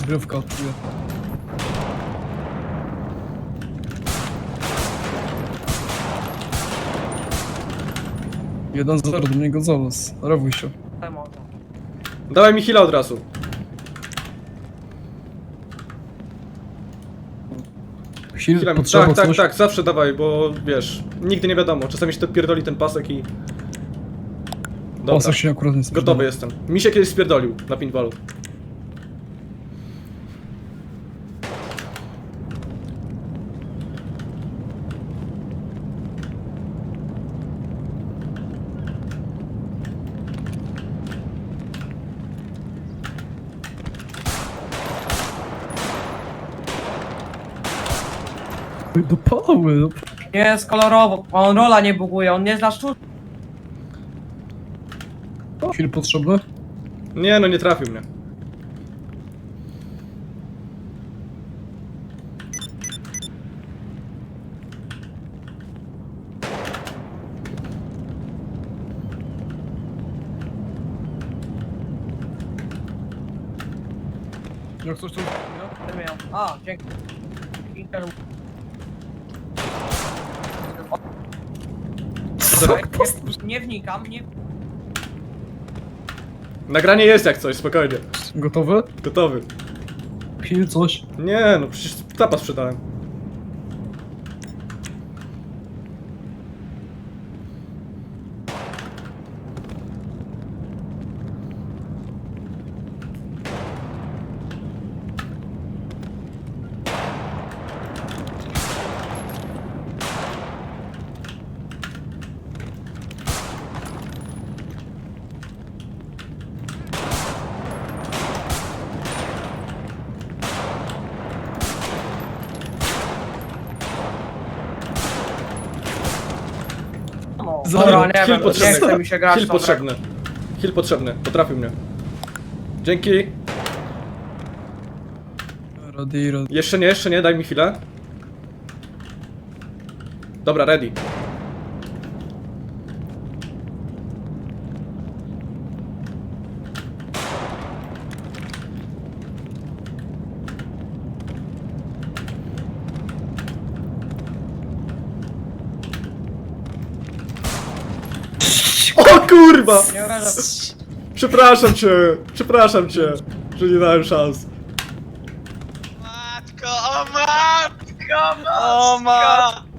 Rozgrywka odczuję. Jeden 0 do mnie Gonzales. Rewuj się. Dawaj mi heal'a od razu. Heal potrzeba coś. Tak, zawsze dawaj, bo wiesz, nigdy nie wiadomo, czasami się to pierdoli ten pasek i... Dobra, Pasek się akurat nie spierdala. gotowy jestem. Mi się kiedyś spierdolił na pinballu. Do pały, no. Nie jest kolorowo, on rola nie buguje, on nie zna sztuczki. Heal potrzebny? Nie no, nie trafił mnie. Jak coś tu... A, dzięki. Nie wnikam, nie... Nagranie jest jak coś, spokojnie. Gotowy? Gotowy. Heal coś. Nie no, przecież tapa sprzedałem. No, Zero. dobra, nie Heal wiem, nie potrzebny. chce mi się grać Heal w tą grę. potrzebny. Heal potrzebny, potrafił mnie. Dzięki. Ready. Jeszcze nie, daj mi chwilę. Dobra, ready. O kurwa! Nie obrażam. Przepraszam cię, że nie dałem szans. Matko, o matko, o matko!